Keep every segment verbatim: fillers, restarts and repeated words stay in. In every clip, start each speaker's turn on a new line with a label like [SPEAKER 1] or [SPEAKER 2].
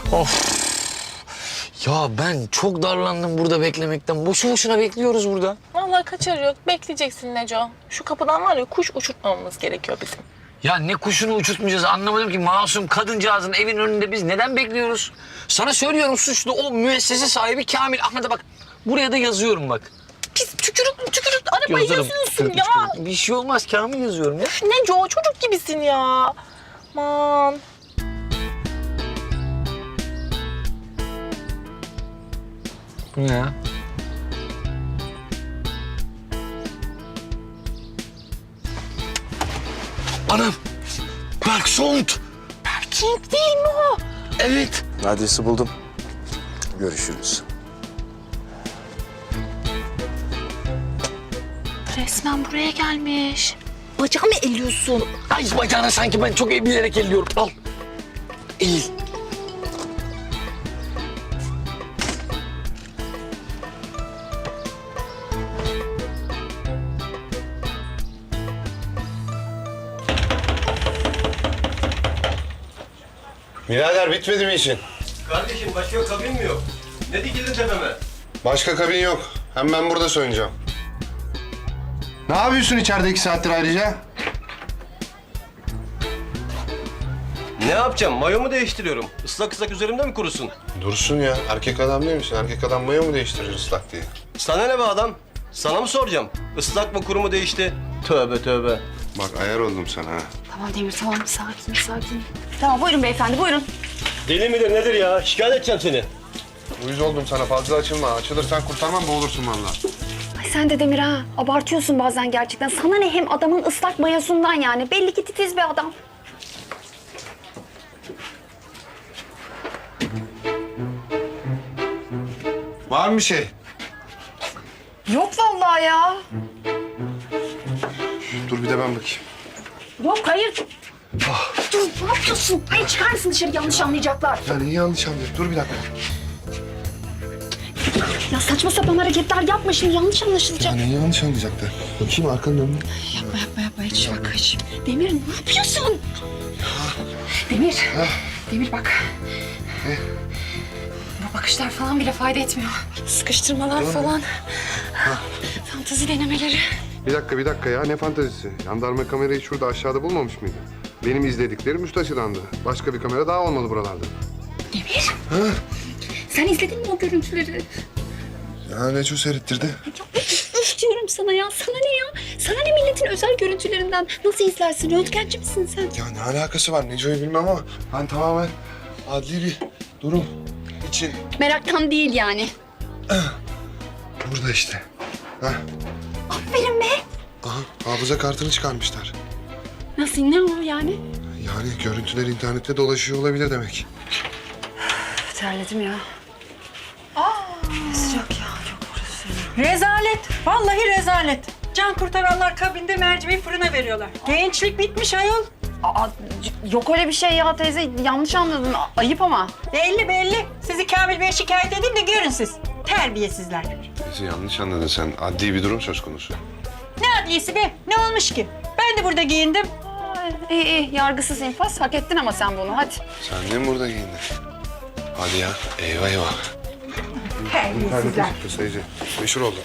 [SPEAKER 1] Of. Ya ben çok darlandım burada beklemekten. Boşu boşuna bekliyoruz burada.
[SPEAKER 2] Vallahi kaçarı yok. Bekleyeceksin Neco. Şu kapıdan var ya kuş uçurtmamamız gerekiyor bizim.
[SPEAKER 1] Ya ne kuşunu uçurtmayacağız anlamadım ki. Masum kadıncağızın evin önünde biz neden bekliyoruz? Sana söylüyorum suçlu o müessese sahibi Kamil. Ahmet'e bak. Buraya da yazıyorum bak.
[SPEAKER 2] Pis tükürük tükürük arabayı
[SPEAKER 1] Yazarım.
[SPEAKER 2] yazıyorsun
[SPEAKER 1] Tükürük,
[SPEAKER 2] ya.
[SPEAKER 1] tükürük. Bir şey olmaz Kamil yazıyorum ya.
[SPEAKER 2] Üf, Neco çocuk gibisin ya. Aman.
[SPEAKER 1] Bu ne ya? Anam! Bergsond!
[SPEAKER 2] Berking değil mi o?
[SPEAKER 1] Evet.
[SPEAKER 3] Adresi buldum. Görüşürüz.
[SPEAKER 2] Resmen buraya gelmiş. Bacağımı elliyorsun.
[SPEAKER 1] Ay bacağına sanki ben çok bilerek elliyorum. Al. Eğil.
[SPEAKER 4] Birader bitmedi mi işin?
[SPEAKER 5] Kardeşim başka kabin mi yok? Ne dikildin tepeme?
[SPEAKER 4] Başka kabin yok. Hem ben burada soyunacağım. Ne yapıyorsun içeride iki saattir ayrıca?
[SPEAKER 5] Ne yapacağım? Mayomu değiştiriyorum. Islak ıslak üzerimde mi kurusun?
[SPEAKER 4] Dursun ya. Erkek adam değil misin? Erkek adam mayo mu değiştirir ıslak diye?
[SPEAKER 5] Sana ne be adam? Sana mı soracağım? Islak mı kuru mu değişti? Tövbe tövbe.
[SPEAKER 4] Bak ayar oldum sana ha.
[SPEAKER 6] Tamam Demir, tamam. Sakin, sakin. Tamam, buyurun beyefendi, buyurun.
[SPEAKER 5] Deli midir nedir ya? Şikayet edeceğim seni.
[SPEAKER 4] Uyuz oldum sana. Fazla açılma. Açılırsan kurtarmam, boğulursun vallahi.
[SPEAKER 6] Ay sen de Demir ha. Abartıyorsun bazen gerçekten. Sana ne hem adamın ıslak mayosundan yani. Belli ki titiz bir adam.
[SPEAKER 4] Var mı bir şey?
[SPEAKER 6] Yok vallahi ya.
[SPEAKER 4] Dur bir de ben bakayım.
[SPEAKER 6] Yok, hayır. Dur, ne yapıyorsun? Hayır, çıkar mısın dışarı? Yanlış anlayacaklar.
[SPEAKER 4] Ya neyi yanlış anlıyorsun? Dur bir dakika.
[SPEAKER 6] Ya saçma sapan hareketler yapma şimdi. Yanlış anlaşılacak.
[SPEAKER 4] Ya neyi yanlış anlayacaklar? Bakayım arkanın önüne.
[SPEAKER 6] Yapma, yapma, yapma. Hiç bak, hiç. Demir, ne yapıyorsun? Demir, Demir bak.
[SPEAKER 4] Ne?
[SPEAKER 6] Bu bakışlar falan bile fayda etmiyor. Sıkıştırmalar falan. Fantezi denemeleri.
[SPEAKER 4] Bir dakika, bir dakika ya. Ne fantezisi? Jandarma kamerayı şurada aşağıda bulmamış mıydı? Benim izlediklerim üst açıdandı. Başka bir kamera daha olmalı buralarda.
[SPEAKER 6] Demir. Sen izledin mi o görüntüleri?
[SPEAKER 4] Ya Neco seyrettirdi.
[SPEAKER 6] Ya üf diyorum sana ya. Sana ne ya? Sana ne milletin özel görüntülerinden? Nasıl izlersin? Röntgenci misin sen?
[SPEAKER 4] Ya ne alakası var Neco'yu bilmem ama ben tamamen adli bir durum için
[SPEAKER 6] Meraktan değil yani.
[SPEAKER 4] burada işte. Ha?
[SPEAKER 6] Aferin be.
[SPEAKER 4] Aha, hafıza kartını çıkarmışlar.
[SPEAKER 6] Nasıl? Ne o yani?
[SPEAKER 4] Yani görüntüler internette dolaşıyor olabilir demek.
[SPEAKER 6] Terledim ya. Aa. Sıcak ya. Çok burası.
[SPEAKER 7] Rezalet. Vallahi rezalet. Can kurtaranlar kabinde mercimeği fırına veriyorlar. Gençlik bitmiş ayol.
[SPEAKER 6] Aa, c- yok öyle bir şey ya teyze. Yanlış anladın. A- Ayıp ama.
[SPEAKER 7] Belli belli. Sizi Kamil Bey'e şikayet edeyim de görün siz. Terbiyesizler.
[SPEAKER 4] Neyse yanlış anladın sen. Adli bir durum söz konusu.
[SPEAKER 7] Ne adliyesi be? Ne olmuş ki? Ben de burada giyindim.
[SPEAKER 6] Ay, iyi iyi. Yargısız infaz. Hak ettin ama sen bunu. Hadi.
[SPEAKER 4] Sen de mi burada giyindin? Hadi ya. Eyvah eyvah.
[SPEAKER 7] Terbiyesizler.
[SPEAKER 4] Çıktı sayıcı. Meşhur oldu.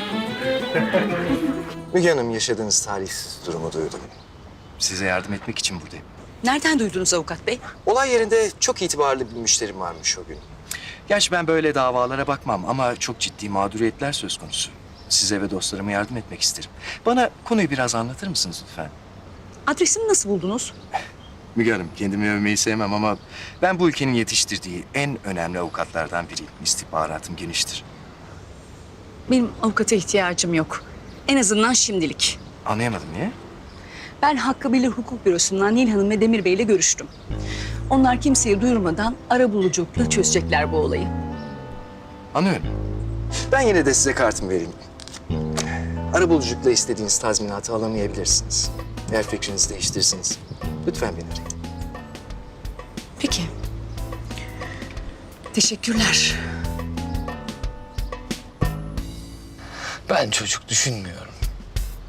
[SPEAKER 3] Müge Hanım, yaşadığınız talihsiz durumu duydum.
[SPEAKER 8] Size yardım etmek için buradayım.
[SPEAKER 9] Nereden duydunuz avukat bey?
[SPEAKER 3] Olay yerinde çok itibarlı bir müşterim varmış o gün.
[SPEAKER 8] Gerçi ben böyle davalara bakmam ama çok ciddi mağduriyetler söz konusu. Size ve dostlarıma yardım etmek isterim. Bana konuyu biraz anlatır mısınız lütfen?
[SPEAKER 9] Adresimi nasıl buldunuz?
[SPEAKER 8] Müge Hanım, kendimi övmeyi sevmem ama ben bu ülkenin yetiştirdiği en önemli avukatlardan biriyim. İstihbaratım geniştir.
[SPEAKER 9] Benim avukata ihtiyacım yok. En azından şimdilik.
[SPEAKER 8] Anlayamadım niye?
[SPEAKER 9] Ben Hakkı Bilir Hukuk Bürosu'ndan Nil Hanım ve Demir Bey ile görüştüm. Onlar kimseye duyurmadan arabuluculukla çözecekler bu olayı.
[SPEAKER 8] Anlıyorum.
[SPEAKER 3] Ben yine de size kartımı vereyim. Arabuluculukla istediğiniz tazminatı alamayabilirsiniz. Eğer fikrinizi değiştirirseniz lütfen beni arayın.
[SPEAKER 9] Peki. Teşekkürler.
[SPEAKER 1] Ben çocuk düşünmüyorum.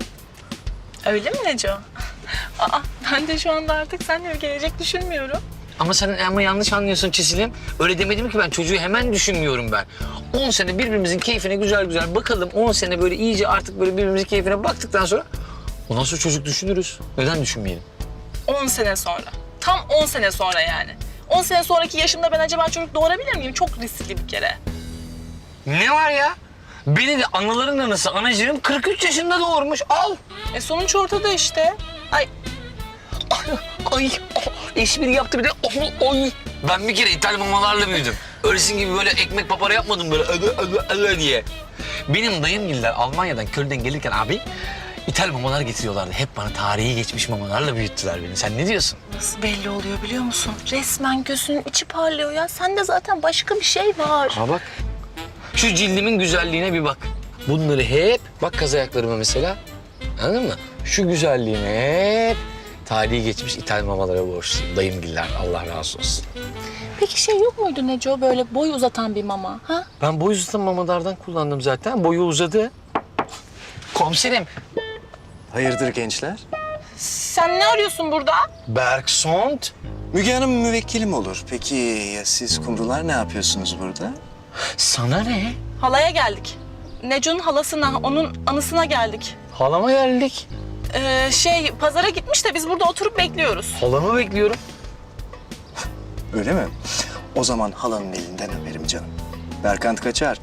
[SPEAKER 2] Öyle mi Neco? Aa, ben de şu anda artık seninle bir gelecek düşünmüyorum.
[SPEAKER 1] Ama sen ama yanlış anlıyorsun Çisil'im. Öyle demedim ki ben. Çocuğu hemen düşünmüyorum ben. on sene birbirimizin keyfine güzel güzel bakalım. on sene böyle iyice artık böyle birbirimizin keyfine baktıktan sonra ondan sonra çocuk düşünürüz. Neden düşünmeyelim?
[SPEAKER 2] on sene sonra. Tam on sene sonra yani. on sene sonraki yaşımda ben acaba çocuk doğurabilir miyim? Çok riskli bir kere.
[SPEAKER 1] Ne var ya? Beni de anaların anası anacığım kırk üç yaşında doğurmuş. Al.
[SPEAKER 2] E sonuç ortada işte. Ay
[SPEAKER 1] Ay, ay, espri yaptı bir de. Ay, ay. Ben bir kere İtalyan mamalarla büyüdüm. Öylesin gibi böyle ekmek papara yapmadım böyle ödü ödü ödü diye. Benim dayımgiller Almanya'dan, Köln'den gelirken abi İtalyan mamalar getiriyorlardı. Hep bana tarihi geçmiş mamalarla büyüttüler beni. Sen ne diyorsun?
[SPEAKER 2] nasıl belli oluyor biliyor musun? Resmen gözünün içi parlıyor ya. Sende zaten başka bir şey var.
[SPEAKER 1] Ha bak. Şu cildimin güzelliğine bir bak. Bunları hep, bak kaz ayaklarıma mesela. Anladın mı? Şu güzelliğime hep tarihi geçmiş İtalyan mamalara borçluyum. Dayımgiller, Allah razı olsun.
[SPEAKER 2] Peki şey yok muydu Neco böyle boy uzatan bir mama? Ha?
[SPEAKER 1] Ben boy uzatan mamalardan kullandım zaten. Boyu uzadı. Komiserim.
[SPEAKER 8] Hayırdır gençler?
[SPEAKER 2] Sen ne arıyorsun burada?
[SPEAKER 1] Bergsond.
[SPEAKER 8] Müge Hanım müvekkilim olur. Peki ya siz kumrular ne yapıyorsunuz burada?
[SPEAKER 1] Sana ne?
[SPEAKER 2] Halaya geldik. Neco'nun halasına, onun anısına geldik.
[SPEAKER 1] Halama geldik.
[SPEAKER 2] Ee, şey pazara gitmiş de biz burada oturup bekliyoruz.
[SPEAKER 1] Halamı bekliyorum.
[SPEAKER 8] Öyle mi? O zaman halanın elinden öperim canım. Berkant kaçar.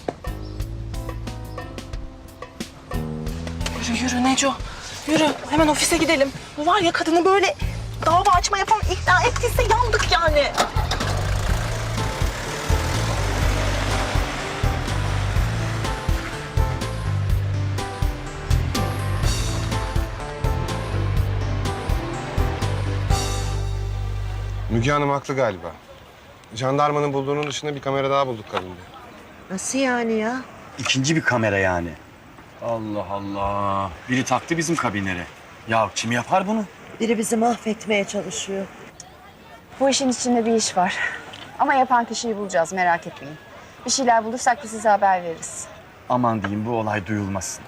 [SPEAKER 2] Yürü yürü Neco. Yürü hemen ofise gidelim. Bu var ya kadını böyle dava açmaya falan ikna ettiyse yandık yani.
[SPEAKER 4] Müge Hanım haklı galiba. Jandarmanın bulduğunun dışında bir kamera daha bulduk kabinde.
[SPEAKER 10] Nasıl yani ya?
[SPEAKER 11] İkinci bir kamera yani. Allah Allah. Biri taktı bizim kabinlere. Ya kim yapar bunu?
[SPEAKER 10] Biri bizi mahvetmeye çalışıyor.
[SPEAKER 6] Bu işin içinde bir iş var. Ama yapan kişiyi bulacağız, merak etmeyin. Bir şeyler bulursak da size haber veririz.
[SPEAKER 11] Aman diyeyim bu olay duyulmasın.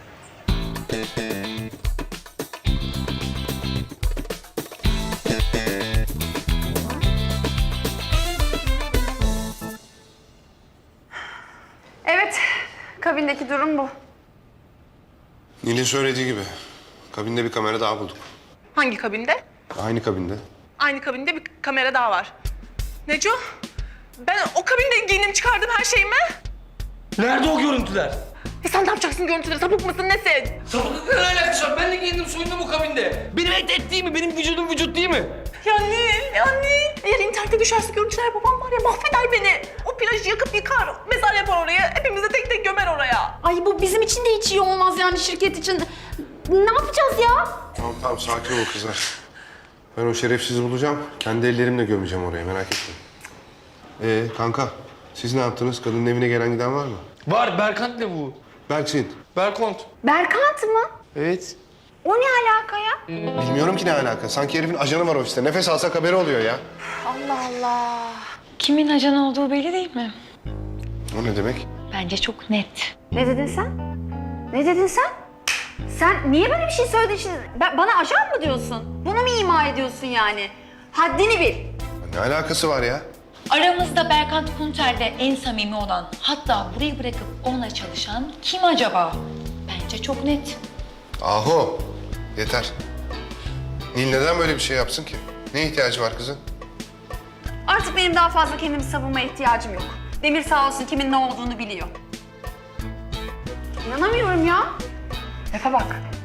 [SPEAKER 6] Evet, kabindeki durum bu.
[SPEAKER 4] Nil'in söylediği gibi. Kabinde bir kamera daha bulduk.
[SPEAKER 2] Hangi kabinde?
[SPEAKER 4] Aynı kabinde.
[SPEAKER 2] Aynı kabinde bir kamera daha var. Neco, ben o kabinde giyindim çıkardım her şeyimi.
[SPEAKER 1] Nerede o görüntüler?
[SPEAKER 2] E sen ne yapacaksın görüntüleri? Sapık mısın nesin?
[SPEAKER 1] Sapıklıkla ne alakası var? Ben de giyindim soyundum o kabinde. Benim et et değil mi? Benim vücudum vücut değil mi?
[SPEAKER 2] Ya Nil, ya Nil. Eğer internette düşerse görüntüler babam var ya mahveder beni. O plajı yakıp yıkar, mezar yapar oraya. Hepimizi tek tek gömer oraya.
[SPEAKER 6] Ay bu bizim için de hiç iyi olmaz yani şirket için. Ne yapacağız ya?
[SPEAKER 4] Tamam tamam sakin ol kızlar. Ben o şerefsizi bulacağım. Kendi ellerimle gömeceğim oraya merak etme. Ee kanka siz ne yaptınız? Kadının evine gelen giden var mı?
[SPEAKER 1] Var, Berkant ne bu?
[SPEAKER 4] Berksin.
[SPEAKER 1] Berkont.
[SPEAKER 6] Berkant mı?
[SPEAKER 4] Evet.
[SPEAKER 6] O ne alaka ya?
[SPEAKER 4] Bilmiyorum ki ne alaka. Sanki herifin ajanı var ofiste. Nefes alsak haberi oluyor ya.
[SPEAKER 6] Allah Allah.
[SPEAKER 12] Kimin ajan olduğu belli değil mi?
[SPEAKER 4] O ne demek?
[SPEAKER 12] Bence çok net.
[SPEAKER 6] Ne dedin sen? Ne dedin sen? Sen niye böyle bir şey söyledin şimdi? Ben, bana ajan mı diyorsun? Bunu mu ima ediyorsun yani? Haddini bil.
[SPEAKER 4] Ne alakası var ya?
[SPEAKER 12] Aramızda Berkant Kunter'de en samimi olan, hatta burayı bırakıp onunla çalışan kim acaba? Bence çok net.
[SPEAKER 4] Aho. Yeter. Nil neden böyle bir şey yapsın ki? Ne ihtiyacı var kızın?
[SPEAKER 6] Artık benim daha fazla kendimi savunmaya ihtiyacım yok. Demir sağ olsun kimin ne olduğunu biliyor. İnanamıyorum ya. Lafa bak.